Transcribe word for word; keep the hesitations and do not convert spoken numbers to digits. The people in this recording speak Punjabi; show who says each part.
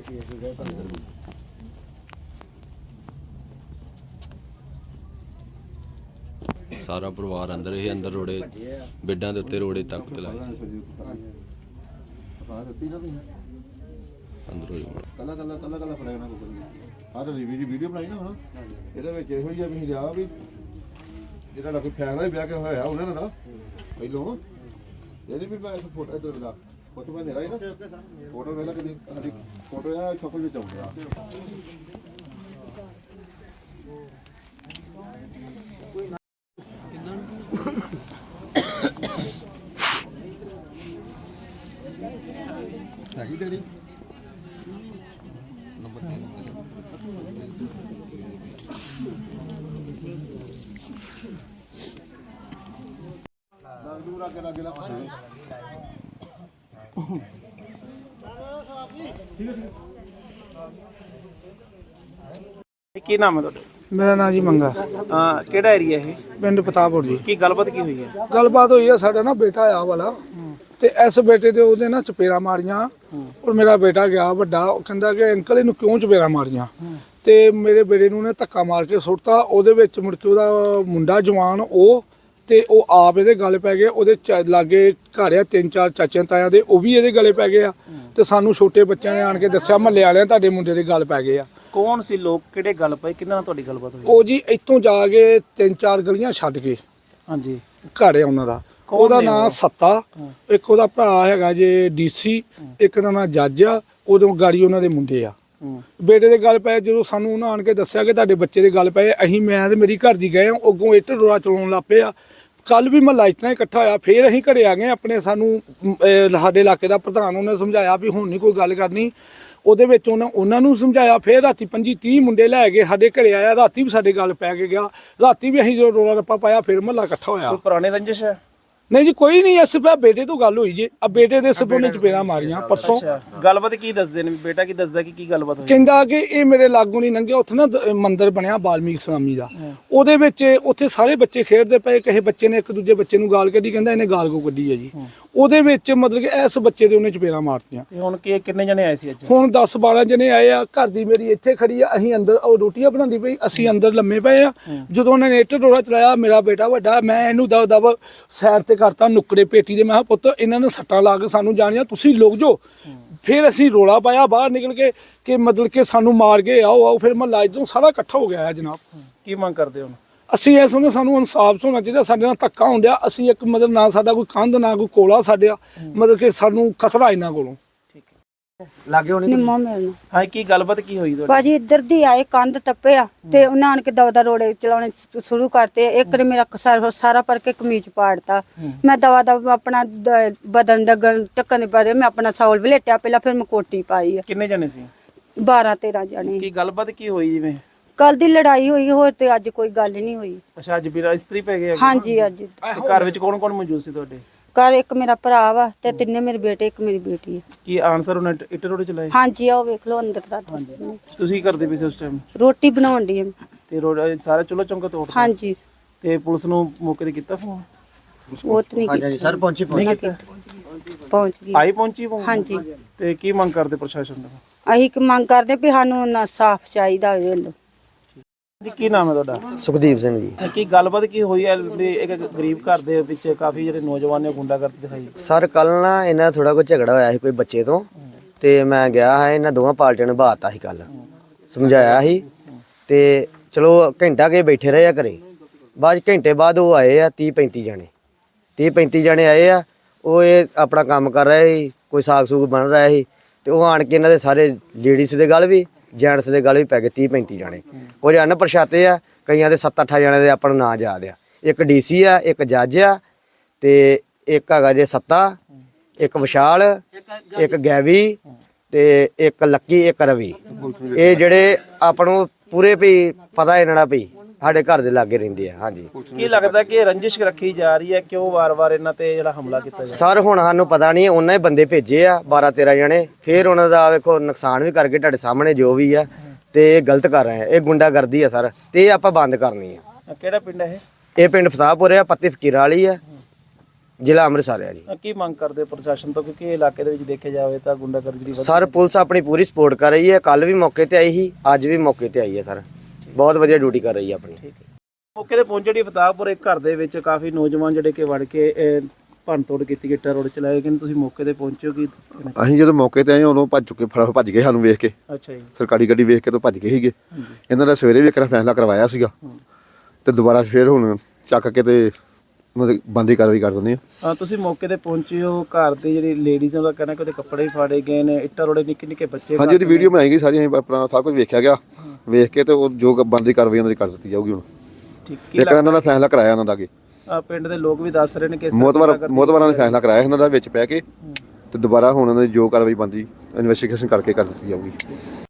Speaker 1: सारा परिवार अंदर ही अंदर रोड़े बेडां दे उत्ते रोड़े तक ते लाए अंदर
Speaker 2: कला कला कला कला फड़ाना को आ तो वीडियो वीडियो बनाई ना हुन ਇਹਦੇ ਵਿੱਚ ਇਹੋ ਜਿਹਾ ਵੀ ਰਿਹਾ ਵੀ ਜਿਹੜਾ ਕੋਈ ਫੈਸਲਾ ਹੀ ਵਿਆਹ ਕੇ ਹੋਇਆ ਉਹਨਾਂ ਨੇ ਨਾ ਪਹਿਲੋਂ ਇਹਦੀ ਵੀ ਮੈਂ ਫੋਟੋ ਇਧਰ ਲਾ ਫੋਟੋ ਮੈਂ ਦੇਣਾ ਹੀ ਨਾ ਫੋਟੋ ਵੇਲਾ ਕਿ ਸਾਡੀ ਫੋਟੋ ਆ ਛੋਪਲ ਵਿੱਚ ਆਉਂਦਾ ਹੈਗੀ ਡੈਡੀ ਨੰਬਰ ਦੂਰ ਅੱਗੇ ਲੱਗੇ ਲਾ
Speaker 3: ਕੀ ਨਾਮ ਹੈ ਤੁਹਾਡਾ?
Speaker 4: ਮੇਰਾ ਨਾਮ ਜੀ ਮੰਗਾ।
Speaker 3: ਹਾਂ, ਕਿਹੜਾ ਏਰੀਆ ਇਹ?
Speaker 4: ਪਿੰਡ ਪਤਾਪੁਰ ਜੀ।
Speaker 3: ਕੀ ਗੱਲਬਾਤ ਕੀ ਹੋਈ ਹੈ?
Speaker 4: ਗੱਲਬਾਤ ਹੋਈ ਹੈ, ਸਾਡਾ ਨਾ ਬੇਟਾ ਆ ਵਾਲਾ ਤੇ ਇਸ ਬੇਟੇ ਦੇ ਉਹਦੇ ਨਾ ਚਪੇੜਾ ਮਾਰੀਆਂ ਔਰ ਮੇਰਾ ਬੇਟਾ ਗਿਆ ਵੱਡਾ, ਉਹ ਕਹਿੰਦਾ ਕਿ ਅੰਕਲ ਇਹਨੂੰ ਕਿਉਂ ਚਪੇੜਾ ਮਾਰੀਆਂ ਤੇ ਮੇਰੇ ਬੇਟੇ ਨੂੰ ਨੇ ਧੱਕਾ ਮਾਰ ਕੇ ਸੁੱਟਤਾ। ਉਹਦੇ ਵਿੱਚ ਮੁੜ ਕੇ ਉਹਦਾ ਮੁੰਡਾ ਜਵਾਨ ਉਹ ਤੇ ਉਹ ਆਪ ਇਹਦੇ ਗਲ ਪੈ ਗਏ। ਉਹਦੇ ਲਾਗੇ ਘਰ ਆ ਤਿੰਨ ਚਾਰ ਚਾਚਿਆਂ ਤਾਇਆਂ ਦੇ, ਉਹ ਵੀ ਇਹਦੇ ਗਲੇ ਪੈ ਗਏ ਆ ਤੇ ਸਾਨੂੰ ਛੋਟੇ ਬੱਚਿਆਂ ਨੇ ਆਣ ਕੇ ਦੱਸਿਆ ਮਹੱਲੇ ਵਾਲਿਆਂ ਤੁਹਾਡੇ ਮੁੰਡੇ ਦੇ ਗਲ ਪੈ ਗਏ ਆ।
Speaker 3: ਕੌਣ ਸੀ ਲੋਕ, ਕਿਹੜੇ ਗੱਲ ਪਏ, ਕਿੰਨਾਂ ਨਾਲ ਤੁਹਾਡੀ ਗੱਲਬਾਤ ਹੋਈ?
Speaker 4: ਉਹ ਜੀ ਇੱਥੋਂ ਜਾ ਕੇ ਤਿੰਨ ਚਾਰ ਗਲੀਆਂ ਛੱਡ ਕੇ
Speaker 3: ਹਾਂਜੀ
Speaker 4: ਘਰ ਆ ਉਹਨਾਂ ਦਾ। ਉਹਦਾ ਨਾਮ ਸੱਤਾ, ਇੱਕ ਉਹਦਾ ਭਰਾ ਹੈਗਾ ਜੇ ਡੀਸੀ, ਇੱਕ ਦਾ ਨਾਮ ਜੱਜ ਆ। ਉਦੋਂ ਗਾੜੀ ਉਹਨਾਂ ਦੇ ਮੁੰਡੇ ਆ। ਬੇਟੇ ਦੇ ਗੱਲ ਪਏ, ਜਦੋਂ ਸਾਨੂੰ ਉਹਨਾਂ ਆਣ ਕੇ ਦੱਸਿਆ ਕਿ ਤੁਹਾਡੇ ਬੱਚੇ ਦੇ ਗੱਲ ਪਏ, ਅਸੀਂ ਮੈਂ ਤੇ ਮੇਰੀ ਘਰ ਦੀ ਗਏ ਆ, ਅੱਗੋਂ ਇੱਟ ਰੋੜਾ ਚਲਾਉਣ ਲੱਗ ਪਏ ਆ। ਕੱਲ ਵੀ ਮਹੱਲਾ ਇਤਨਾ ਇਕੱਠਾ ਹੋਇਆ, ਫੇਰ ਅਸੀਂ ਘਰੇ ਆ ਗਏ ਆਪਣੇ। ਸਾਨੂੰ ਸਾਡੇ ਇਲਾਕੇ ਦਾ ਪ੍ਰਧਾਨ ਉਹਨੇ ਸਮਝਾਇਆ ਵੀ ਹੁਣ ਨਹੀਂ ਕੋਈ ਗੱਲ ਕਰਨੀ। ਉਹਦੇ ਵਿੱਚ ਉਹਨਾਂ ਉਹਨਾਂ ਨੂੰ ਸਮਝਾਇਆ। ਫੇਰ ਰਾਤੀ ਪੰਜੀ ਤੀਹ ਮੁੰਡੇ ਲੈ ਕੇ ਸਾਡੇ ਘਰੇ ਆਇਆ। ਰਾਤੀ ਵੀ ਸਾਡੇ ਗੱਲ ਪੈ ਕੇ ਗਿਆ। ਰਾਤੀ ਵੀ ਅਸੀਂ ਜਦੋਂ ਰੋਲਾ ਰੱਪਾ ਪਾਇਆ ਫੇਰ ਮਹੱਲਾ ਇਕੱਠਾ ਹੋਇਆ।
Speaker 3: ਕੋਈ ਪੁਰਾਣੇ ਰੰਜਿਸ਼ ਹੈ?
Speaker 4: ਨਹੀਂ ਜੀ ਕੋਈ ਨਹੀਂ, ਇਸ ਪਿਆ ਬੇਟੇ ਤੋਂ ਗੱਲ ਹੋਈ ਜੇ। ਆ ਬੇਟੇ ਦੇ ਸਿਰ ਉਹਨੇ ਚਪੇੜਾਂ ਮਾਰੀਆਂ ਪਰਸੋਂ।
Speaker 3: ਗੱਲਬਾਤ ਕੀ ਦੱਸਦੇ ਨੇ? ਬੇਟਾ ਕੀ ਦੱਸਦਾ ਕਿ ਕੀ ਗੱਲਬਾਤ ਹੋਈ?
Speaker 4: ਕਹਿੰਦਾ ਕਿ ਇਹ ਮੇਰੇ ਲਾਗੋਂ ਨਹੀਂ ਲੰਘਿਆ। ਉੱਥੇ ਨਾ ਮੰਦਿਰ ਬਣਿਆ ਬਾਲਮੀਕ ਸਵਾਮੀ ਦਾ, ਉਹਦੇ ਵਿੱਚ ਉੱਥੇ ਸਾਰੇ ਬੱਚੇ ਖੇਡਦੇ ਪਏ। ਕਿਸੇ ਬੱਚੇ ਨੇ ਇੱਕ ਦੂਜੇ ਬੱਚੇ ਨੂੰ ਗਾਲ ਕੱਢੀ, ਕਹਿੰਦਾ ਇਹਨੇ ਗਾਲ ਕੋ ਕੱਢੀ ਹੈ ਜੀ। ਉਹਦੇ ਵਿੱਚ ਮਤਲਬ ਕਿ ਇਸ ਬੱਚੇ ਦੇ ਉਹਨੇ ਚਪੇੜਾਂ ਮਾਰਤੀਆਂ।
Speaker 3: ਤੇ ਹੁਣ ਕੀ ਕਿੰਨੇ ਜਣੇ ਆਏ ਸੀ ਅੱਜ?
Speaker 4: ਹੁਣ ਦਸ ਬਾਰਾਂ ਜਣੇ ਆਏ ਆ। ਘਰ ਦੀ ਮੇਰੀ ਇੱਥੇ ਖੜੀ ਆ, ਅਸੀਂ ਅੰਦਰ ਉਹ ਰੋਟੀਆਂ ਬਣਾਉਂਦੀ ਪਈ, ਅਸੀਂ ਅੰਦਰ ਲੰਮੇ ਪਏ ਆ। ਜਦੋਂ ਉਹਨਾਂ ਨੇ ਇੱਟ ਰੋੜਾ ਚਲਾਇਆ, ਮੇਰਾ ਬੇਟਾ ਵੱਡਾ, ਮੈਂ ਇਹਨੂੰ ਦਬ ਦਬ ਸਾਈਡ ਤੇ ਕਰਤਾ ਨੁੱਕੜੇ ਪੇਟੀ ਦੇ। ਮੈਂ ਕਿਹਾ ਪੁੱਤ ਇਹਨਾਂ ਨੇ ਸੱਟਾਂ ਲਾ ਕੇ ਸਾਨੂੰ ਜਾਣੀਆਂ, ਤੁਸੀਂ ਲੁਕ ਜਾਓ। ਫਿਰ ਅਸੀਂ ਰੋਲਾ ਪਾਇਆ ਬਾਹਰ ਨਿਕਲ ਕੇ ਕਿ ਮਤਲਬ ਕਿ ਸਾਨੂੰ ਮਾਰ ਗਏ, ਆਓ ਆਓ। ਫਿਰ ਮਹੱਲਾ ਇੱਧਰੋਂ ਸਾਰਾ ਇਕੱਠਾ ਹੋ ਗਿਆ ਹੈ ਜਨਾਬ।
Speaker 3: ਕੀ ਮੰਗ ਕਰਦੇ ਹੋ?
Speaker 4: ਅਸੀਂ ਇਸ ਨੂੰ ਸਾਨੂੰ ਇਨਸਾਫ ਹੋਣਾ ਚਾਹੀਦਾ। ਸਾਡੇ ਨਾਲ ਧੱਕਾ ਹੁੰਦਿਆ। ਅਸੀਂ ਇੱਕ ਮਤਲਬ ਨਾ ਸਾਡਾ ਕੋਈ ਕੰਧ ਨਾ ਕੋਈ ਕੋਲਾ ਸਾਡੇ ਮਤਲਬ ਕਿ ਸਾਨੂੰ ਖਤਰਾ ਇਹਨਾਂ ਕੋਲੋਂ।
Speaker 3: ਲਾਗੇ ਹੋਣੀ
Speaker 5: ਨਿੰਮੋ ਮਿਲਣਾ।
Speaker 3: ਹਾਂ, ਕੀ ਗੱਲਬਾਤ ਕੀ ਹੋਈ ਤੁਹਾਡੀ?
Speaker 5: ਭਾਜੀ ਇੱਧਰ ਦੀ ਆਏ, ਕੰਧ ਟੱਪੇ ਆ ਤੇ ਉਹਨਾਂ ਆਣ ਕੇ ਦਵਾ ਦਾ ਰੋੜੇ ਚਲਾਉਣੇ ਸ਼ੁਰੂ ਕਰਤੇ। ਇੱਕ ਨੇ ਮੇਰਾ ਸਾਰਾ ਸਾਰਾ ਪਰ ਕੇ ਕਮੀਜ਼ ਪਾੜਤਾ। ਮੈਂ ਦਵਾ ਦਾ ਆਪਣਾ ਦ- ਬਦਨ ਡਗਣ ਟੱਕਣ ਪਰੇ ਮੈਂ ਆਪਣਾ ਸੌਲ ਵਲੇਟਿਆ ਪਹਿਲਾਂ, ਫਿਰ ਮੈਂ ਕੋਟੀ ਪਾਈ ਆ।
Speaker 3: ਕਿੰਨੇ ਜਣੇ ਸੀ?
Speaker 5: ਬਾਰਾਂ ਤੇਰਾਂ ਜਣੇ।
Speaker 3: ਕੀ ਗੱਲਬਾਤ ਕੀ ਹੋਈ ਜਿਵੇਂ?
Speaker 5: ਕੱਲ ਦੀ ਲੜਾਈ ਹੋਈ, ਹੋਰ ਤੇ ਅੱਜ ਕੋਈ ਗੱਲ ਨਹੀਂ ਹੋਈ।
Speaker 3: ਅੱਛਾ, ਅੱਜ ਵੀਰਾ ਇਸਤਰੀ ਪੈ ਗਏ?
Speaker 5: ਹਾਂਜੀ ਅੱਜ
Speaker 3: ਤੇ ਘਰ ਵਿੱਚ ਕੌਣ ਕੌਣ ਮੌਜੂਦ ਸੀ ਤੁਹਾਡੇ?
Speaker 5: ਘਰ ਇੱਕ ਮੇਰਾ ਭਰਾ ਵਾ ਤੇ ਤਿੰਨੇ ਮੇਰੇ ਬੇਟੇ, ਇੱਕ ਮੇਰੀ ਬੇਟੀ ਹੈ।
Speaker 3: ਕੀ ਆਨਸਰ ਉਹਨੇ ਇੱਟ ਰੋੜੇ ਚਲਾਏ?
Speaker 5: ਹਾਂਜੀ ਆਓ ਵੇਖ ਲਓ ਅੰਦਰ ਦਾ।
Speaker 3: ਤੁਸੀਂ ਕੀ ਕਰਦੇ ਪਏ ਸੀ ਉਸ ਟਾਈਮ?
Speaker 5: ਰੋਟੀ ਬਣਾਉਣ ਦੀ।
Speaker 3: ਤੇ ਰੋੜਾ ਸਾਰਾ ਚੁੱਲ੍ਹਾ ਚੌਂਕਾ ਤੋੜਤਾ?
Speaker 5: ਹਾਂਜੀ।
Speaker 3: ਤੇ ਪੁਲਿਸ ਨੂੰ ਮੌਕੇ ਤੇ ਕੀਤਾ ਫੋਨ?
Speaker 5: ਉਹ ਤੇ ਨਹੀਂ
Speaker 3: ਹਾਂਜੀ ਸਰ, ਪਹੁੰਚੀ ਪਹੁੰਚੀ
Speaker 5: ਪਹੁੰਚ ਗਈ।
Speaker 3: ਆਈ ਪਹੁੰਚੀ ਫੋਨ?
Speaker 5: ਹਾਂਜੀ।
Speaker 3: ਤੇ ਕੀ ਮੰਗ ਕਰਦੇ ਪ੍ਰਸ਼ਾਸਨ ਦਾ?
Speaker 5: ਅਸੀਂ ਕਿ ਮੰਗ ਕਰਦੇ ਵੀ ਸਾਨੂੰ ਨਾ ਸਾਫ਼ ਚਾਹੀਦਾ ਹੋਵੇ।
Speaker 3: ਜੀ ਕੀ ਨਾਮ ਹੈ ਤੁਹਾਡਾ?
Speaker 6: ਸੁਖਦੀਪ ਸਿੰਘ ਜੀ।
Speaker 3: ਕੀ ਗੱਲਬਾਤ ਕੀ ਹੋਈ ਹੈ? ਵੀ ਇੱਕ ਗਰੀਬ ਘਰ ਦੇ ਵਿੱਚ ਕਾਫੀ ਜਿਹੜੇ ਨੌਜਵਾਨ ਨੇ ਗੁੰਡਾਗਰਦੀ ਦਿਖਾਈ।
Speaker 6: ਸਰ ਕੱਲ ਨਾ ਇਹਨਾਂ ਥੋੜਾ ਕੋਈ ਝਗੜਾ ਹੋਇਆ ਸੀ ਕੋਈ ਬੱਚੇ ਤੋਂ, ਤੇ ਮੈਂ ਗਿਆ ਹਾਂ, ਇਹਨਾਂ ਦੋਵਾਂ ਪਾਰਟੀਆਂ ਨੂੰ ਬਾਤਾ ਸੀ, ਕੱਲ ਸਮਝਾਇਆ ਸੀ। ਤੇ ਚਲੋ ਘੰਟਾ ਕੇ ਬੈਠੇ ਰਹੇ ਆ ਘਰੇ। ਬਾਅਦ ਘੰਟੇ ਬਾਅਦ ਉਹ ਆਏ ਆ ਤੀਹ ਪੈਂਤੀ ਜਣੇ ਤੀਹ ਪੈਂਤੀ ਜਣੇ ਆਏ ਆ। ਉਹ ਇਹ ਆਪਣਾ ਕੰਮ ਕਰ ਰਹੇ ਸੀ, ਕੋਈ ਸਾਗ ਸੂਗ ਬਣ ਰਿਹਾ ਸੀ। ਤੇ ਉਹ ਆਣ ਕੇ ਇਹਨਾਂ ਦੇ ਸਾਰੇ ਲੇਡੀਜ਼ ਦੇ ਗੱਲ ਵੀ ਜੈਂਟਸ ਦੇ ਗੱਲ ਵੀ ਪੈ ਗਏ ਤੀਹ ਪੈਂਤੀ ਜਾਣੇ। ਕੁਝ ਅਣਪਛਾਤੇ ਆ, ਕਈਆਂ ਦੇ ਸੱਤ ਅੱਠ ਜਣੇ ਦੇ ਆਪਾਂ ਨੂੰ ਨਾਂ ਯਾਦ ਆ। ਇੱਕ ਡੀਸੀ ਆ, ਇੱਕ ਜੱਜ ਆ, ਤੇ ਇੱਕ ਹੈਗਾ ਜੇ ਸੱਤਾ, ਇੱਕ ਵਿਸ਼ਾਲ, ਇੱਕ ਗੈਵੀ, ਤੇ ਇੱਕ ਲੱਕੀ, ਇੱਕ ਰਵੀ। ਇਹ ਜਿਹੜੇ ਆਪਾਂ ਨੂੰ ਪੂਰੇ ਵੀ ਪਤਾ ਇਹਨਾਂ ਦਾ ਵੀ ਸਾਡੇ ਘਰ ਦੇ ਲਾਗੇ ਰਹਿੰਦੇ ਆ। ਹਾਂਜੀ।
Speaker 3: ਕੀ ਲੱਗਦਾ ਕਿ ਰੰਜਿਸ਼ ਰੱਖੀ ਜਾ ਰਹੀ ਹੈ? ਕਿਉਂ ਵਾਰ-ਵਾਰ ਇਹਨਾਂ ਤੇ ਜਿਹੜਾ ਹਮਲਾ ਕੀਤਾ ਜਾ ਰਿਹਾ?
Speaker 6: ਸਰ ਹੁਣ ਸਾਨੂੰ ਪਤਾ ਨਹੀਂ, ਉਹਨਾਂ ਹੀ ਬੰਦੇ ਭੇਜੇ ਆ ਬਾਰਾਂ ਤੇਰਾਂ ਜਣੇ, ਫਿਰ ਉਹਨਾਂ ਦਾ ਵੇਖੋ ਨੁਕਸਾਨ ਵੀ ਕਰਕੇ ਤੁਹਾਡੇ ਸਾਹਮਣੇ ਜੋ ਵੀ ਆ, ਤੇ ਇਹ ਗਲਤ ਕਰ ਰਹੇ ਆ। ਇਹ ਗੁੰਡਾਗਰਦੀ ਆ ਸਰ, ਤੇ ਇਹ ਆਪਾਂ ਬੰਦ ਕਰਨੀ ਆ।
Speaker 3: ਕਿਹੜਾ ਪਿੰਡ ਹੈ ਇਹ?
Speaker 6: ਇਹ ਪਿੰਡ ਫਸਾਪੁਰ ਆ, ਪੱਤੀ ਫਕੀਰਾਂ ਵਾਲੀ ਆ। ਜ਼ਿਲ੍ਹਾ ਅੰਮ੍ਰਿਤਸਰ ਹੈ ਜੀ।
Speaker 3: ਅ, ਕੀ ਮੰਗ ਕਰਦੇ ਪ੍ਰਸ਼ਾਸਨ ਤੋਂ, ਕਿਉਂਕਿ ਇਹ ਇਲਾਕੇ ਦੇ ਵਿੱਚ ਦੇਖਿਆ ਜਾਵੇ ਤਾਂ ਗੁੰਡਾਗਰਦੀ ਦੀ
Speaker 6: ਸਰ ਪੁਲਿਸ ਆਪਣੀ ਪੂਰੀ ਸਪੋਰਟ ਕਰ ਰਹੀ ਹੈ, ਕੱਲ ਵੀ ਮੌਕੇ ਤੇ ਆਈ ਸੀ, ਅੱਜ ਵੀ ਮੌਕੇ ਤੇ ਆਈ ਹੈ ਸਰ, ਬਹੁਤ ਵਧੀਆ ਡਿਊਟੀ ਕਰ ਰਹੀ ਹੈ ਆਪਣੀ।
Speaker 3: ਠੀਕ ਹੈ। ਮੌਕੇ ਤੇ ਪਹੁੰਚੇ ਜੀ ਫਤਾਹਪੁਰ ਇੱਕ ਘਰ ਦੇ ਵਿੱਚ ਕਾਫੀ ਨੌਜਵਾਨ ਜਿਹੜੇ ਕਿ ਵੜ ਕੇ ਅਹ, ਭੰਨ ਤੋੜ ਕੀਤੀ, ਗਿੱਟਾ ਰੋਡ ਚਲਾਏ ਗਏ। ਤੁਸੀਂ ਮੌਕੇ ਤੇ ਪਹੁੰਚੇ ਹੋ ਕੀ?
Speaker 2: ਅਸੀਂ ਜਦੋਂ ਮੌਕੇ ਤੇ ਆਏ ਉਦੋਂ ਭੱਜ ਚੁੱਕੇ, ਫੜਾ ਭੱਜ ਗਏ ਸਾਨੂੰ ਵੇਖ ਕੇ,
Speaker 3: ਅੱਛਾ ਜੀ।
Speaker 2: ਸਰਕਾਰੀ ਗੱਡੀ ਵੇਖ ਕੇ ਤੋਂ ਭੱਜ ਗਏ ਸੀਗੇ। ਇਹਨਾਂ ਦਾ ਸਵੇਰੇ ਵੀ ਇੱਕ ਵਾਰ ਫੈਸਲਾ ਕਰਵਾਇਆ ਸੀਗਾ ਤੇ ਦੁਬਾਰਾ ਫੇਰ ਹੁਣ ਚੱਕ ਕੇ ਤੇ ਉਹਨਾਂ ਦੀ ਬੰਦੀ ਕਾਰਵਾਈ ਕਰ ਦਿੰਦੇ ਆ।
Speaker 3: ਅ, ਤੁਸੀਂ ਮੌਕੇ ਤੇ ਪਹੁੰਚੇ ਹੋ, ਘਰ ਦੇ ਜਿਹੜੀ ਲੇਡੀਜ਼ ਦਾ ਕਹਿਣਾ ਕਿ ਉਹਦੇ ਕੱਪੜੇ ਵੀ ਫਾੜੇ ਗਏ ਨੇ, ਇੱਟਾਂ ਰੋੜੇ ਨਿੱਕੇ ਨਿੱਕੇ ਬੱਚੇ।
Speaker 2: ਹਾਂਜੀ ਉਹਦੀ ਵੀਡੀਓ ਬਣਾਈ ਗਈ ਸਾਰੀ, ਅਸੀਂ ਆਪਣਾ ਸਭ ਕੁਝ ਵੇਖਿਆ ਗਿਆ, ਵੇਖ ਕੇ ਤੇ ਉਹ ਜੋ ਬੰਦੀ ਕਾਰਵਾਈ ਉਹਨਾਂ ਦੀ ਕਰ ਦਿੱਤੀ ਜਾਊਗੀ। ਹੁਣ
Speaker 3: ਠੀਕ ਕੀ
Speaker 2: ਇੱਕ ਇਹਨਾਂ ਦਾ ਫੈਸਲਾ ਕਰਾਇਆ ਉਹਨਾਂ ਦਾ ਅੱਗੇ,
Speaker 3: ਅ, ਪਿੰਡ ਦੇ ਲੋਕ ਵੀ ਦੱਸ ਰਹੇ ਨੇ ਕਿ ਇਸ ਤਰ੍ਹਾਂ
Speaker 2: ਮੋਤਵਾਰ
Speaker 3: ਗੁੰਡਾਗਰਦੀ-
Speaker 2: ਮੋਤਵਾਰਾਂ ਨੇ ਫੈਸਲਾ ਕਰਾਇਆ ਇਹਨਾਂ ਦਾ ਵਿੱਚ ਪੈ ਕੇ ਤੇ ਦੁਬਾਰਾ ਹੁਣ ਉਹਨਾਂ ਦੀ ਜੋ ਕਾਰਵਾਈ ਬੰਦੀ ਇਨਵੈਸਟੀਗੇਸ਼ਨ ਕਰਕੇ ਕਰ ਦਿੱਤੀ ਜਾਊਗੀ।